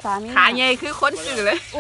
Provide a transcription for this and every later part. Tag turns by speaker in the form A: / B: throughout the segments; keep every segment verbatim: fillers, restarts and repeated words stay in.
A: ามี
B: ขาใหญ่คือคนสื่อเลย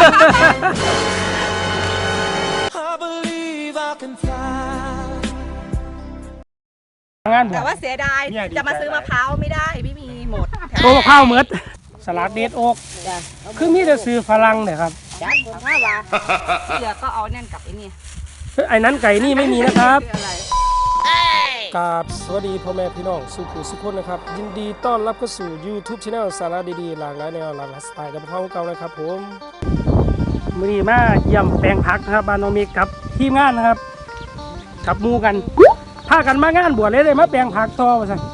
B: แต่ว่าเสียดายจะมาซื้อมะพร้าวไม่ได้ไม่มีหมด
C: ตัวมะพร้าวเมดสลัดเดดโอ๊กคือมีแต่ซื้อฝรั่งเนี่ยครับ
A: จ้าถ้าว่าเหลือก็เอาแน่นกับไอ้นี่
C: ไอ้นั้นไก่นี่ไม่มีนะครับกราบสวัสดีพ่อแม่พี่น้องสุขุสุขคนนะครับยินดีต้อนรับเข้าสู่ YouTube Channel สาระดีๆหลากหลายแนวหลากหลายสไตล์กับพ่อเก่านะครับผมมื้อนี้มาเยี่ยมแปลงผักนะครับบ้านน้องเมฆกับทีมงานนะครับขับมูกันพากันมางานบวชเลยเลยมาแปลงผักต่อมาสั่ง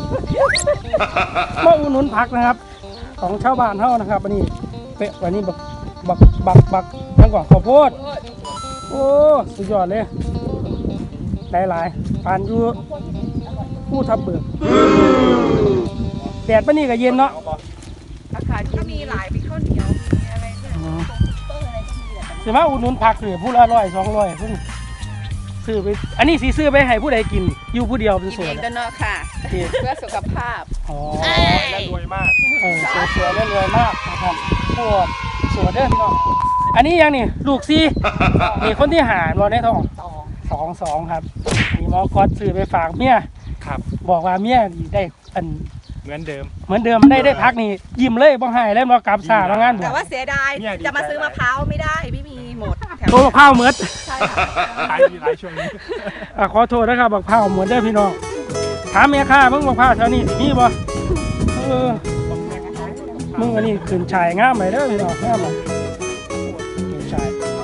C: มาอุดหนุนผักนะครับของชาวบ้านเฮานะครับวันนี้เป๊ะวันนี้บักบักบักบักทั้งก่อนข้าวโพดโอ้สุดยอดเลยหลายๆปานอยู่ผู้ทับเบิกแดดปะนี่ก็เย็นเนาะ
B: อากาศก็มีหลายมีข้าวเหนียวมีอะไรเนี่ย
C: เสียมาอุดหนุนผักเลยผู้ละร้อยสองร้อยเพิ่งซื้อไปอันนี้สีซื้อไปให้ผู้ใดกินอยู่ผู้เดียวเป็นส่วน
B: กินเองเนาะค่ะเพื่อสุขภาพ
C: อ๋อ
D: และรวยมาก
C: เออสวยๆและรวยมากนะครับพวกสวยเด้อพี่น้องอันนี้ยังนี่ลูกซีนี่คนที่หาบอลได้ทองสองสองครับมีหมอกอดซื้อไปฝากเมีย
D: ครับ
C: บอกว่าเมียได้อัน
D: เหมือนเดิม
C: เหมือนเดิมได้ได้พักนี่ยิ้มเลยบ่ให้แล้วมากลับซาแล้วงาน
B: แต่ว่าเสียดายจะมาซื้อมะพร้าวไม่ได้ไม่มีหมด
C: ตัวมะพร้าวเหมือน
B: ใช่
D: ขายดีหลายช่วงนี้
C: ขอโทษนะครับมะพร้าวเหมือนเด้อพี่น้องถามเมียข้ามึงมะพร้าวแถวนี้มีบ่เออมึงอันนี้ขึ้นชายงามไปเด้อพี่น้องงามเลยขึ้นชาย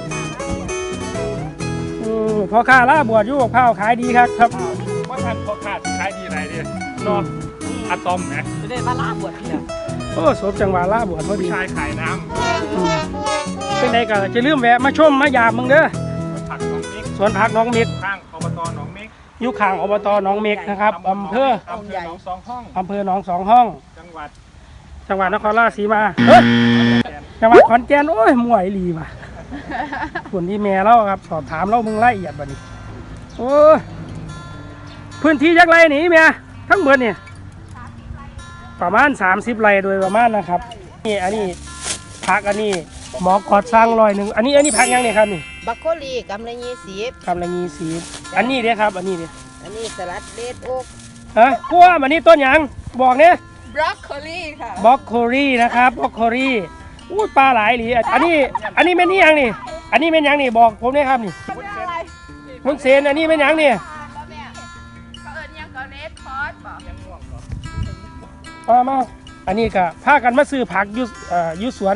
C: เออพอข้าล่าบวชอยู่มะพร้าวขายดีครับครับ
D: ว่าท่านพอขาดขายดีไหนดินอนอะตอมนะ
B: จะได้มาล่าบวชเนี่ย
C: โอ้สมจังหวะล่าบวชพอดี
D: ชายขายน้
C: ำเป็นไงกันจะลืมแวะมาชมมายามมึงเด้อ
D: ผักน้องเมฆ
C: สวนผักน้องเมฆ
D: ข้างอบตหนองเมฆ
C: อยู่ข้างอบตหนองเมฆนะครับอำเภอ
D: อำเภอหนองสองห้อง
C: อำเภอหนองสองห้อง
D: จังหวัด
C: จังหวัดนครราชสีมาเฮ้ยจังหวัดขอนแก่นโอ้ยมวยลีว่ะส่วนที่แม่เล่าครับสอบถามเล่ามึงละเอียดบัดนี้โอ้พื้นที่ยักษ์ไรหนีเมียทั้งหมดเนี่ยประมาณสามสิบไร่โดยประมาณนะครับนี่อันนี้ผักอันนี้หมอกอดสร้างลอยหนึ่งอันนี้อันนี้ผักยังเนี่ยครับนี่
A: บักโคลีกำลังยี่สิบ
C: กำลังยี่สิบอันนี้เนี่ยครับอันนี้เนี่ย
A: อันนี้สลัดเดดโอ๊ก
C: ฮะพวกอันนี้ต้นยังบอกเนี่ย
B: บรอกโคลีค่ะ
C: บรอกโคลีนะครับบรอกโคลีอู้ปลาหลายหลีอันนี้อันนี้เป็นนี่ยังนี่อันนี้เป็นยังนี่บอกผมเนี่ยครับนี่มุนเซนอันนี้เป็นยังนี่มามาอันนี้ก็พากันมาซื้อผักยุยุสวน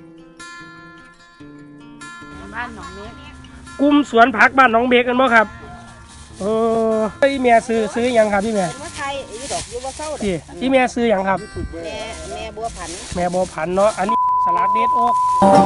B: บ้านหนองเมฆ
C: กลุ่มสวนผักบ้านหนองเมฆกันบ่ครับเออพี่เมียซื้อซื้อยังครับพี่เมีย
A: ว่าไทยอีดอกยูว่าเศร้า
C: พี่พี่เมียซื้อยังครับ
A: แม่แม่บัวผัน
C: แม่บัวผันเนาะอันนี้สลัดเดดโอ๊ก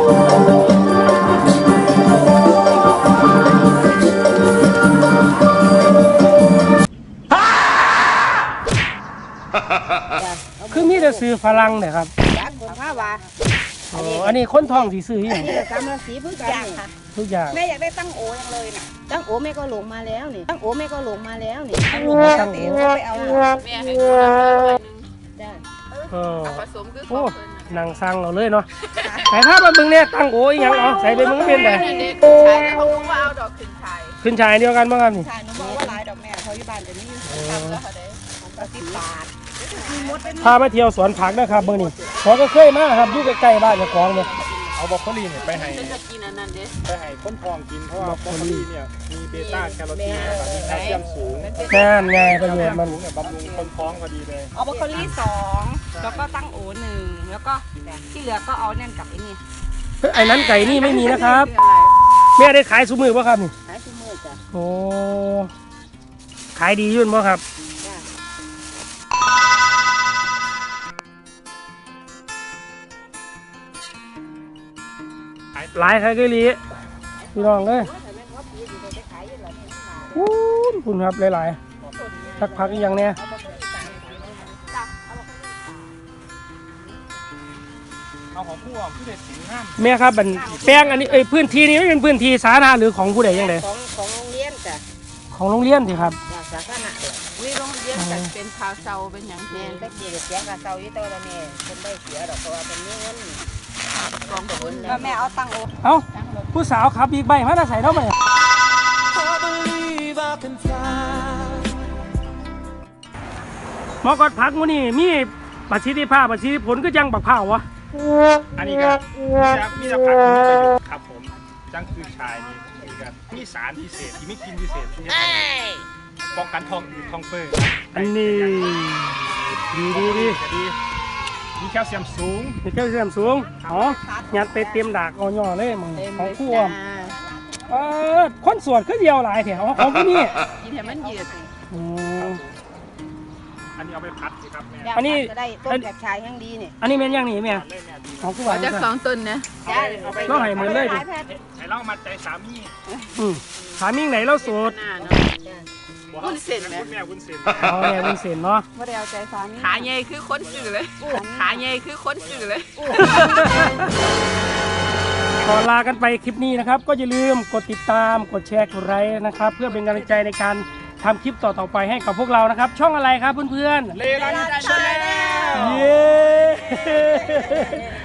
C: คือมีแต่ซื้อฝรั่งเนี่ยครับ
A: จากคนผ้าวา
C: อันนี้คนทองสีซื้ออย่าง
A: นี้กำลังสีพื้นกันค่ะ
C: ทุกอย่าง
B: แม่อยากได้ตั้งโอยังเลยน่ะ
A: ตั้งโอแม่ก็หลงมาแล้วนี่ตั้งโอแม่ก็หลงมาแล้วนี่
C: ตั้งโอ
B: ตั้งโอไปเอาแม่ให้คนละร้อยนึง
A: จ้า
C: เออ
B: ผสมคือ
C: โอ้นางสั่งเราเลยเนาะแต่ถ้ามาบึงเนี่ยตั้งโอยังเอาใส่ไปมึงเป็นแต่
B: ใช่เขาบอกว่าเอาดอกขึ้นชาย
C: ขึ้นชายเดียวกันบ้างครับนี่
B: ใช่หนูบอกว่าหลายดอกแม่เขาอยู่บ้านจะมีทำแล้วเขาได้ของสิบบาท
C: พามาเที่ยวสวนผักนะครับเมื่อนี้ผมก็เคยมาครับอยู่ใกล้ๆบ้านเจ้าของเลย
D: เอาบรอกโคลีเนี่ยไปให้
B: จะกินอันนั้นเด้
D: ไปให้คนทองกินเพราะว่าบรอกโคลีเนี่ยมีเบต้าแคโรทีนมีแคลเซียมสูง
C: แน่นไงประโยชน์มัน
D: บำรุงคนท้องพอดีเลย
B: เอาบรอกโคลีสองแล้วก็ตั้งโอหนึ่งแล้วก็ที่เหลือก็เอาแน่นกับไอ้นี่
C: ไอ้นั้นไก่นี่ไม่มีนะครับแม่ได้ขายซุ้มมือป่ะครับนี่
A: ขายซุ้มมือจ้ะ
C: โอ้ขายดียุ่นป่ะครับหลายใครก็รีพี่น้องเลยอู้คุณครับหลายๆสักพักอย่างเนี้ย
D: เอาของผู้อ่ะผู้เด็ดสิงห้าม
C: แม่ครับบันแป้งอันนี้เอ้ยพื้นที่นี้ไม่เป็นพื้นที่สาธารณะหรือของผู้ใดยังไง
A: ของของโรงเรียนจ้ะ
C: ของโรงเรียนสิครับ
A: สาธารณะ
C: อ
A: วิโรงเรียนกันเป็นพาวเซาเป็นอย่าง
E: แม่
A: นี้
E: ตะกี้เสียงกับเซาอยู่ตัวละแม่เป็นได้เสียดอกเพราะว่าเป็นเงิน
A: กองทุน
B: แล้วแม่เอาตังค์โอ
C: เอ้าผู้สาวขับบิ๊กไบค์มาแต่ใส่เท่าไหร่หมอกอดพักมูนี่มีประสิทธิภาพประสิทธิผลก็ยังบักเผาวะ
D: อันนี้ก็จะมีสารประโยชน์ครับผมจังคือชายนี่มีกับมีสารพิเศษที่มีกลินพิเศษที่จะป้องกันท้องอืดท้องเฟ้อ
C: อันนี้ดีดีดี
D: จะดีมีแคลเซียมสูง
C: มีแคลเซียมสูงอ๋อยัดไปเตรียมดากเอาย่อเลยมึงของคู่อมเออคนสวดก็เดียวหลายแถวของผู้นี้
A: กินให้มันยืด
C: อืม
D: อันนี้เอาไปพัดสิครับแม่
C: อันนี้
E: จะได้ต้นแบบชายแห่งดีนี่
C: อันนี้เป็นยังนี่แม่
D: เล่นเนี่ยดี
C: ของคู่ห
A: ขอ
C: วาน
A: จากสองต้นนะ
D: เอาไปเอาไป
C: ก็ให้เหมือนเลยดิ
D: ใช้เล่ามาใจสามี
C: อืมถามมิ่งไหนเราโสด
A: หน้าเนาะ
D: วุ้นเส้นไหมคุณแม่วุ้นเส้น
C: เอาแม่เป็นเศษเนาะ
B: ไม่ได้เอาใจสามี
A: ขาใหญ่คือคนสื่อเลยขาใหญ่คือคนสื่อเลย
C: ขอลากันไปคลิปนี้นะครับ ก็อย่าลืมกดติดตามกดแชร์กดไลค์นะครับ เพื่อเป็นกำลังใจในการทำคลิปต่อๆไปให้กับพวกเรานะครับ ช่องอะไรครับเพื่อนๆ
D: เลลันชาแนล
C: เย้